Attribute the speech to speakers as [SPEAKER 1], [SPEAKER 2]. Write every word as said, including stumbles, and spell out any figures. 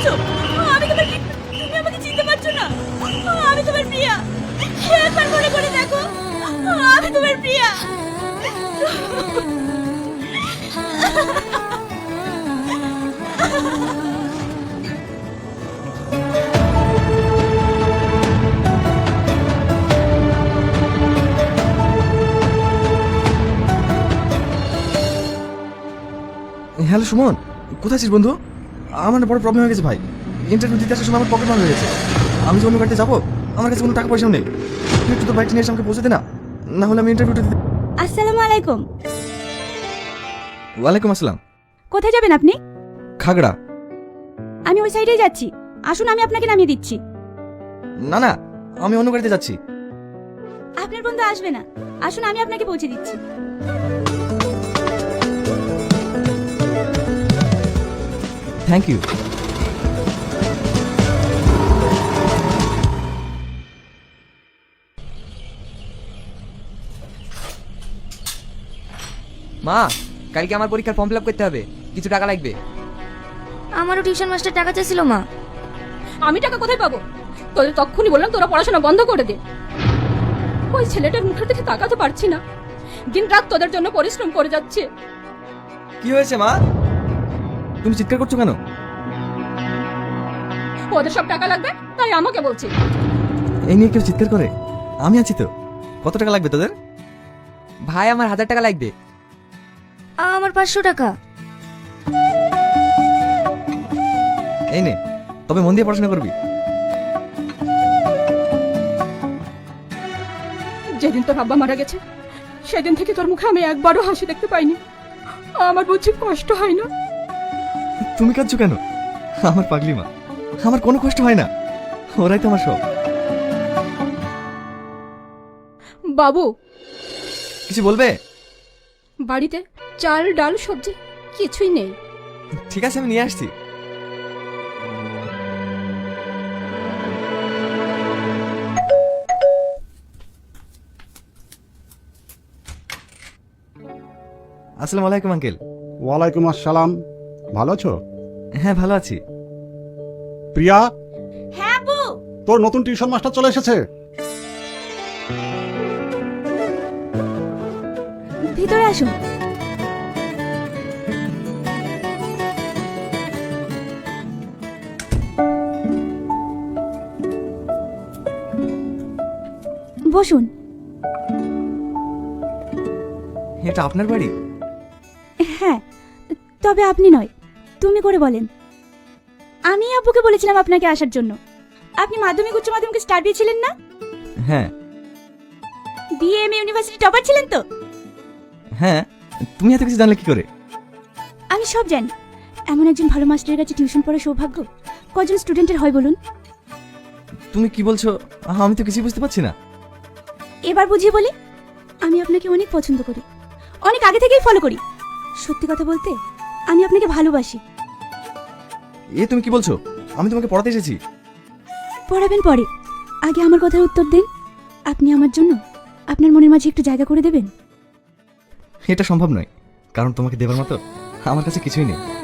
[SPEAKER 1] বলছো? আমি তোমার কি, তুমি আমাকে চিনতে পারছো না? আমি তোমার প্রিয়া। একবার মনে করে দেখো, আমি তোমার প্রিয়া।
[SPEAKER 2] হ্যালো সুমন, কোথায় আছিস বন্ধু? আমার না বড় প্রবলেম হয়ে গেছে ভাই। ইন্টারভিউ দিতে আসার সময় আমার পকেট মার হয়ে গেছে। আমি যে অন্য গাড়িতে যাবো, আমার কাছে কোনো টাকা পয়সাও নেই। তুই একটু তোর বাইকটা নিয়ে এসে আমাকে পৌঁছে দে না, না হলে আমি ইন্টারভিউটা দিতে।
[SPEAKER 1] আসসালামু আলাইকুম।
[SPEAKER 2] ওয়ালাইকুম আসসালাম।
[SPEAKER 1] কোথায় যাবেন আপনি?
[SPEAKER 2] খাগড়া।
[SPEAKER 1] আমি ওই সাইডেই যাচ্ছি, আসুন আমি আপনাকে নামিয়ে দিচ্ছি।
[SPEAKER 2] না না, আমি অন্য গাড়িতে যাচ্ছি।
[SPEAKER 1] আপনার বন্ধু আসবে না, আসুন আমি আপনাকে পৌঁছে দিচ্ছি।
[SPEAKER 2] Thank you.
[SPEAKER 3] মা, কালকে আমার পরীক্ষার ফর্ম ফিল আপ করতে হবে, কিছু টাকা লাগবে।
[SPEAKER 4] আমারও টিউশন মাস্টার টাকা চাইছিল মা।
[SPEAKER 1] আমি টাকা কোথায় পাবো? তোদের তখনই বললাম তোরা পড়াশোনা বন্ধ করে দে। ওই ছেলেটার মুখের দিকে তাকাতে পারছি না, দিন রাত তোদের জন্য পরিশ্রম করে যাচ্ছে।
[SPEAKER 2] কি হয়েছে মা? তুমি চিৎকার করছো কেন?
[SPEAKER 1] ওদের সব টাকা লাগবে তাই আমাকে বলছে।
[SPEAKER 2] এই নিয়ে কেউ চিৎকার করে? আমি আছি তো। কত টাকা লাগবে তোদের?
[SPEAKER 3] ভাই, আমার হাজার টাকা লাগবে।
[SPEAKER 4] আমার পাঁচশো টাকা।
[SPEAKER 2] এই নে, তবে মন দিয়ে পড়াশোনা করবি।
[SPEAKER 1] যেদিন তোর আব্বা মারা গেছে সেদিন থেকে তোর মুখে আমি একবারও হাসি দেখতে পাইনি। আমার বুঝি কষ্ট হয় না?
[SPEAKER 2] তুমি কাঁদছো কেন? আমার পাগলি মা, আমার কোনো কষ্ট হয় না। ওরাই তো আমার সব।
[SPEAKER 1] বাবু,
[SPEAKER 2] কিছু বলবে?
[SPEAKER 1] বাড়িতে চাল ডাল সবজি কিছুই নেই।
[SPEAKER 2] ঠিক আছে, আমি নিয়ে আসছি। আসসালামু আলাইকুম আঙ্কেল।
[SPEAKER 5] ওয়ালাইকুম আসসালাম। ভালো আছো?
[SPEAKER 2] হ্যাঁ, ভালো আছি।
[SPEAKER 5] প্রিয়া,
[SPEAKER 1] হ্যাঁ আব্বু।
[SPEAKER 5] তোর নতুন টিউশন মাস্টার চলে এসেছে।
[SPEAKER 1] ভিতরে আসুন। বসুন।
[SPEAKER 2] এটা আপনার বাড়ি?
[SPEAKER 1] হ্যাঁ, তবে আপনি নয়, তুমি করে বলেন। আমি আব্বুকে বলেছিলাম আপনাকে আসার জন্য। আপনি মাধ্যমিক উচ্চ মাধ্যমিক স্টার দিয়েছিলেন না?
[SPEAKER 2] হ্যাঁ
[SPEAKER 1] বিএম ইউনিভার্সিটি টপার ছিলেন তো?
[SPEAKER 2] হ্যাঁ। তুমি এত কিছু জানলে কি করে?
[SPEAKER 1] আমি সব জানি। এমন একজন ভালো মাস্টারের কাছে টিউশন পড়ার সৌভাগ্য কজন স্টুডেন্টের হয় বলুন?
[SPEAKER 2] তুমি কি বলছো? আমি তো কিছুই বুঝতে পারছি না।
[SPEAKER 1] এবার বুঝিয়ে বলি, আমি আপনাকে অনেক পছন্দ করি, অনেক আগে থেকেই ফলো করি। সত্যি কথা বলতে আমি আপনাকে ভালোবাসি।
[SPEAKER 2] এ তুমি কি বলছো? আমি তোমাকে পড়াতে এসেছি।
[SPEAKER 1] পড়াবেন পরে, আগে আমার কথার উত্তর দেন। আপনি আমার জন্য আপনার মনের মাঝে একটু জায়গা করে দেবেন?
[SPEAKER 2] এটা সম্ভব নয়, কারণ তোমাকে দেবার মতো আমার কাছে কিছুই নেই।